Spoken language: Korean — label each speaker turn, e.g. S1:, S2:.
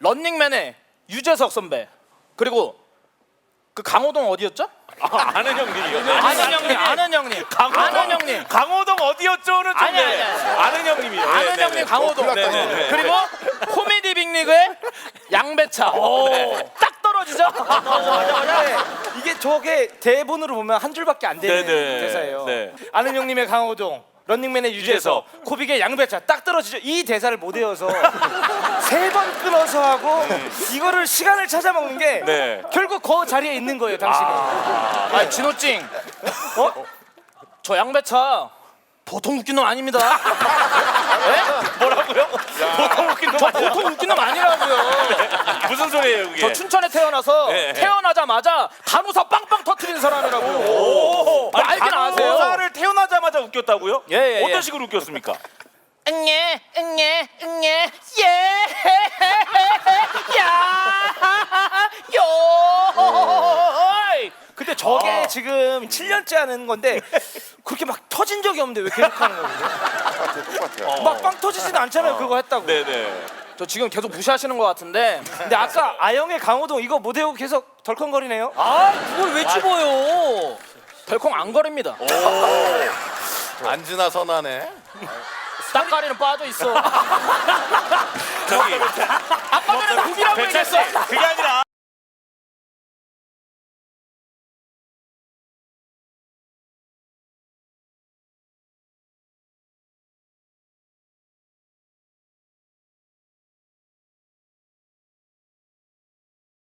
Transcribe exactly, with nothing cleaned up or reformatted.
S1: 런닝맨의 유재석 선배 그리고 그 강호동 어디였죠?
S2: 아, 아는 형님이요.
S1: 아는 형님, 아는 형님, 아는 형님,
S2: 강호동 어디였죠는 좀
S1: 아니, 아니,
S2: 네.
S1: 아니.
S2: 아는 형님이요.
S1: 아는
S2: 네, 네,
S1: 형님
S2: 네.
S1: 강호동.
S2: 네, 네, 네.
S1: 그리고 코미디 빅리그의 양배차. 딱 떨어지죠?
S3: 네, 이게 저게 대본으로 보면 한 줄밖에 안 되는
S2: 네네.
S3: 대사예요.
S2: 네.
S3: 아는 형님의 강호동, 런닝맨의 유재석,
S2: 유재석.
S3: 코빅의 양배차 딱 떨어지죠. 이 대사를 못 외워서 세 번 끊어서 하고 이거를 시간을 찾아먹는 게
S2: 네.
S3: 결국 그 자리에 있는 거예요, 당신이.
S1: 아, 진호찡. 어? 저 양배차 보통 웃긴 놈 아닙니다.
S2: 뭐라고요? 보통 웃긴 놈
S1: 저
S2: 아니야?
S1: 보통 웃긴 놈 아니라고요.
S2: 무슨 소리예요 그게?
S1: 저 춘천에 태어나서
S2: 네, 네.
S1: 태어나자마자 간호사 빵빵 터트리는 사람이라고요.
S2: 오,
S1: 뭐 알긴 아세요?
S2: 간호사를 태어나자마자 웃겼다고요?
S1: 예, 예,
S2: 어떤
S1: 예.
S2: 식으로 웃겼습니까?
S1: 응예 응예 응예 예요.
S3: 근데 저게 지금 칠 년째 하는 건데 그렇게 막 터진 적이 없는데 왜 계속 하는 거예요?
S4: 똑같아요.
S3: 막 빵 터지지도 않잖아요, 그거 했다고.
S2: 네네.
S1: 저 지금 계속 무시하시는 것 같은데.
S3: 근데 아까 아영의 강호동 이거 못 외우고 계속 덜컹거리네요.
S1: 아 그걸 왜 집어요? 덜컹 안 거립니다.
S4: 안지나 선하네.
S1: 땅가리는 빠져 있어.
S2: 저기
S1: 아까 전에 고기라고
S2: 배철 씨
S1: 얘기했어.
S2: 그게 아니라